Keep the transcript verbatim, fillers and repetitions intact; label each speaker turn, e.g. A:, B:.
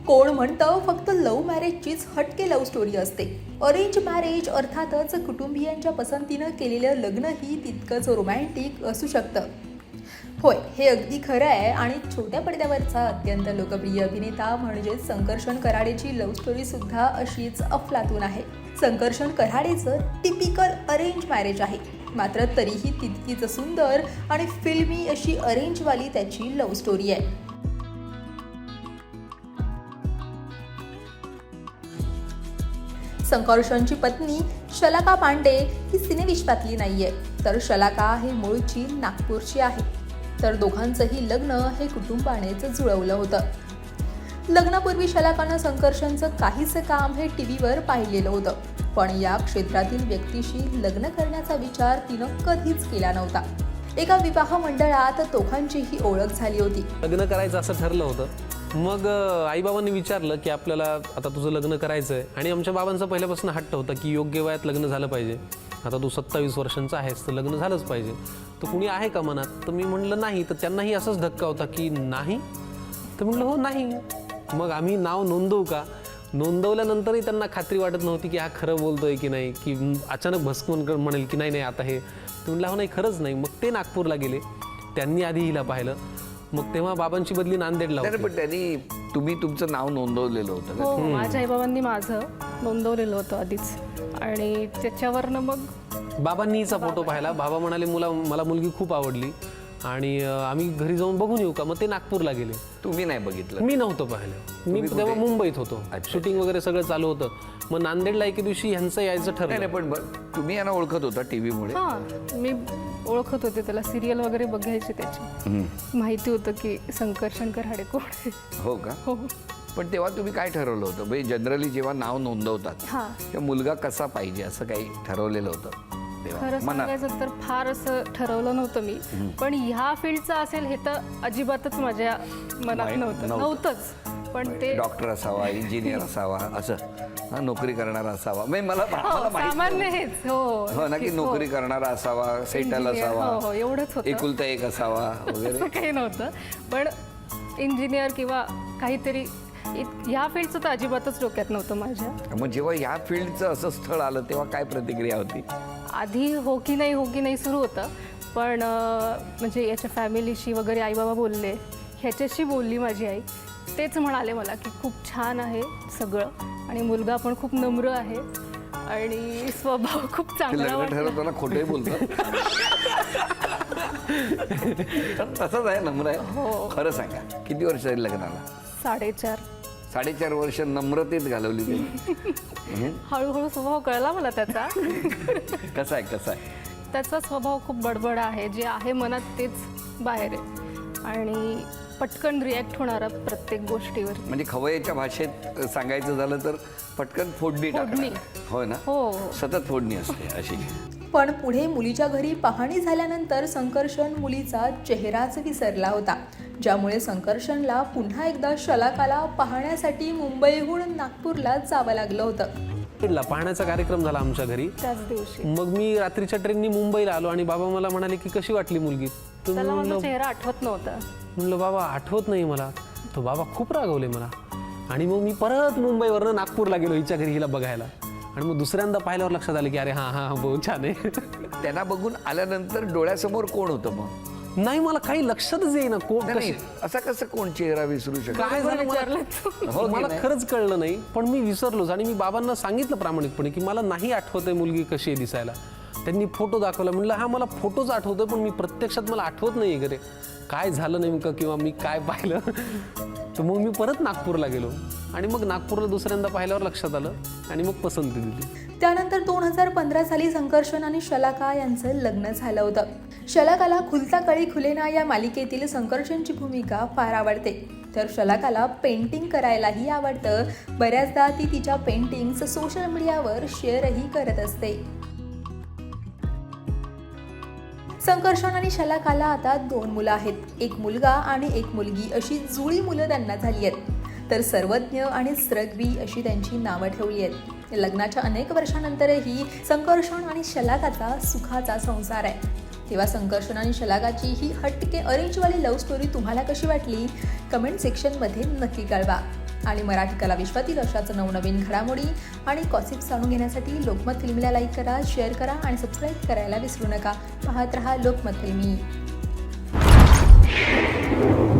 A: कोण म्हणतं फक्त लव्ह मॅरेजचीच हटके लव्ह स्टोरी असते. अरेंज मॅरेज अर्थातच कुटुंबियांच्या पसंतीनं केलेलं लग्नही तितकंच रोमॅन्टिक असू शकतं. होय, हे अगदी खरं आहे. आणि छोट्या पडद्यावरचा अत्यंत लोकप्रिय अभिनेता म्हणजेच संकर्षण कराडेची लव्ह स्टोरीसुद्धा अशीच अफलातून आहे. संकर्षण कराडेचं टिपिकल अरेंज मॅरेज आहे, मात्र तरीही तितकीच सुंदर आणि फिल्मी अशी अरेंजवाली त्याची लव्ह स्टोरी आहे. संकर्षणची पत्नी शलाका पांडे ही सिनेविश्वातली नाहीये, तर शलाका हे मूळची नागपूरची आहे. तर दोघांचंही लग्न हे कुटुंबानेच जुळवलं होतं. लग्नापूर्वी शलाकानं संकर्षणचं काहीसं काम हे टी व्हीवर पाहिलेलं होतं, पण या क्षेत्रातील व्यक्तीशी लग्न करण्याचा विचार तिनं कधीच केला नव्हता. एका विवाह मंडळात दोघांचीही ओळख झाली होती.
B: लग्न करायचं असं ठरलं होतं. मग आईबाबांनी विचारलं की आपल्याला आता तुझं लग्न करायचं आहे, आणि आमच्या बाबांचा पहिल्यापासून हट्ट होता की योग्य वयात लग्न झालं पाहिजे. आता तू सत्तावीस वर्षांचा आहेस तर लग्न झालंच पाहिजे. तर कुणी आहे का मनात? तर मी म्हणलं नाही. तर त्यांनाही असंच धक्का होता की नाही. तर म्हणलं हो नाही. मग आम्ही नाव नोंदवू का? नोंदवल्यानंतरही त्यांना खात्री वाटत नव्हती की हा खरं बोलतोय की नाही, की अचानक भस्कून म्हणेल की नाही नाही आता हे. तर म्हणलं हो नाही, खरंच नाही. मग ते नागपूरला गेले. त्यांनी आधी हिला पाहिलं. मग तेव्हा बाबांची बदली नांदेडला होती.
C: पण त्यांनी तुम्ही तुमचं नाव नोंदवलेलं होतं.
D: हो, माझ्या आईबाबांनी माझं नोंदवलेलं होतं आधीच, आणि त्याच्यावरनं मग
B: बाबांनी हिचा फोटो पाहिला. बाबा म्हणाले मुला मला मुलगी खूप आवडली आणि आम्ही घरी जाऊन बघून येऊ का? मग ते नागपूरला गेले.
C: तुम्ही नाही बघितलं?
B: मी नव्हतं पाहिलं. मी तेव्हा मुंबईत होतो. शूटिंग वगैरे सगळं चालू होतं. मग नांदेडला एके दिवशी ह्यांचं यायचं ठरलं.
C: नाही, पण तुम्ही यांना ओळखत होता टीव्हीमुळे?
D: हां, मी ओळखत होते त्याला. सिरियल वगैरे बघायची त्याची. माहिती होतं की संकर्षण कराडे कोण आहे.
C: हो का?
D: हो.
C: पण तेव्हा तुम्ही काय ठरवलं होतं? म्हणजे जनरली जेव्हा नाव नोंदवतात
D: हां,
C: तेव्हा मुलगा कसा पाहिजे असं काही ठरवलेलं होतं तेव्हा
D: खरं
C: मनात?
D: सांगायचं तर फार असं ठरवलं नव्हतं मी, पण ह्या फील्डचं असेल हे तर अजिबातच माझ्या मनात
C: माहित
D: नव्हतं
C: नव्हतं.
D: नव्हतंच. पण ते
C: डॉक्टर असावा, इंजिनियर असावा, असं हा, नोकरी करणारा असावा. म्हणजे मला
D: हो,
C: मला माहित
D: सामान्य
C: नव्हतं.
D: हेच. हो
C: हो ना, की
D: नक्कीच, हो.
C: नोकरी करणारा असावा, सेटल
D: Engineer, हो, हो,
C: असावा,
D: एवढंच होतं.
C: एकुलता एक असावा वगैरे.
D: असं काही नव्हतं. पण इंजिनियर किंवा काहीतरी इत- ह्या फील्डचं तर अजिबातच डोक्यात नव्हतं माझ्या.
C: मग जेव्हा ह्या फील्डचं असं स्थळ आलं तेव्हा काय प्रतिक्रिया होती?
D: आधी हो की नाही हो की नाही सुरू होतं, पण अं, म्हणजे याच्या फॅमिलीशी वगैरे आईबाबा बोलले, ह्याच्याशी बोलली माझी आई. तेच म्हणाले मला की खूप छान आहे सगळं, आणि मुलगा पण खूप नम्र आहे आणि स्वभाव खूप चांगला
C: लग्न
D: वाटला.
C: ठरवताना खोटंही बोलतात. तसंच आहे, नम्र आहे.
D: हो.
C: खरं सांगा, किती वर्ष झाली लग्नाला?
D: साडेचार.
C: साडेचार वर्ष नम्रतेत घालवली तुम्ही. हं?
D: हळूहळू स्वभाव कळला मला त्याचा.
C: कसा आहे कसा आहे?
D: त्याचा स्वभाव खूप बडबड आहे. जे आहे मनात तेच बाहेर आहे, आणि पटकन रिॲक्ट होणारा प्रत्येक गोष्टीवर.
C: म्हणजे खवय्याच्या भाषेत सांगायचं झालं तर पटकन फोडणी
D: फोडणी.
C: टाकणार. हो ना?
D: हो.
C: सतत फोडणी असते अशी.
A: पण पुढे मुलीच्या घरी पाहणी झाल्यानंतर संकर्षण मुलीचा चेहराच विसरला होता, ज्यामुळे संकर्षणला पुन्हा एकदा शलाकाला पाहण्यासाठी मुंबईहून नागपूरला जावं लागलं होतं.
B: नांदेडला पाहण्याचा कार्यक्रम झाला आमच्या घरी.
D: त्याच दिवशी
B: मग मी रात्रीच्या ट्रेननी मुंबईला आलो आणि बाबा मला म्हणाले की कशी वाटली मुलगी? तर
D: त्याला माझा
B: म्हणलं
D: चेहरा आठवत नव्हता.
B: म्हणलं बाबा आठवत नाही मला. तो बाबा खूप रागवले मला. आणि मग मी परत मुंबईवरनं नागपूरला गेलो हिच्या घरी हिला बघायला. आणि मग दुसऱ्यांदा पाहिल्यावर लक्षात आलं की अरे हां हां बहुत छान आहे.
C: त्यांना बघून आल्यानंतर डोळ्यासमोर कोण होतं मग?
B: नाही, मला काही लक्षातच येईना कोण
C: नाही, असा कसं कोण चेहरा विसरू शकतो?
B: काय झालं मला
C: हो की
B: मला
C: नाही?
B: खरंच कळलं नाही. पण मी विसरलोच. आणि मी बाबांना सांगितलं प्रामाणिकपणे की मला नाही आठवत आहे मुलगी कशी आहे दिसायला. त्यांनी फोटो दाखवला. म्हणलं हा मला फोटोच आठवतोय, पण मी प्रत्यक्षात मला आठवत नाही आहे. काय झालं नेमकं किंवा मी काय पाहिलं. तर मग मी परत नागपूरला गेलो, आणि मग नागपूरला दुसऱ्यांदा पाहिल्यावर लक्षात आलं, आणि मग पसंती दिली.
A: त्यानंतर दोन हजार पंधरा साली संकर्षण आणि शलाका यांचं लग्न झालं होतं. शलाकाला खुलता कळी खुलेना या मालिकेतील संकर्षणची भूमिका फार आवडते, तर शलाकाला पेंटिंग करायलाही आवडतं. बऱ्याचदा ती तिच्या पेंटिंग्स सोशल मीडियावर शेअरही करत असते. संकर्षण आणि शलाकाला आता दोन मुलं आहेत. एक मुलगा आणि एक मुलगी अशी जुळी मुलं त्यांना झाली आहेत. तर सर्वज्ञ आणि स्रग्वी अशी त्यांची नावं ठेवली आहेत. लग्नाच्या अनेक वर्षानंतरही संकर्षण आणि शलाकाचा सुखाचा संसार आहे. तेव्हा संकर्षण आणि शलाकाची ही हटके अरेंजवाली लव्ह स्टोरी तुम्हाला कशी वाटली? कमेंट सेक्शनमध्ये नक्की कळवा. आणि मराठी कला विश्वातील अशाच नवनवीन घडामोडी आणि गॉसिप्स जाणून घेण्यासाठी लोकमत फिल्मीला लाईक करा, शेअर करा आणि सबस्क्राईब करायला विसरू नका. पाहत रहा लोकमत फिल्मी.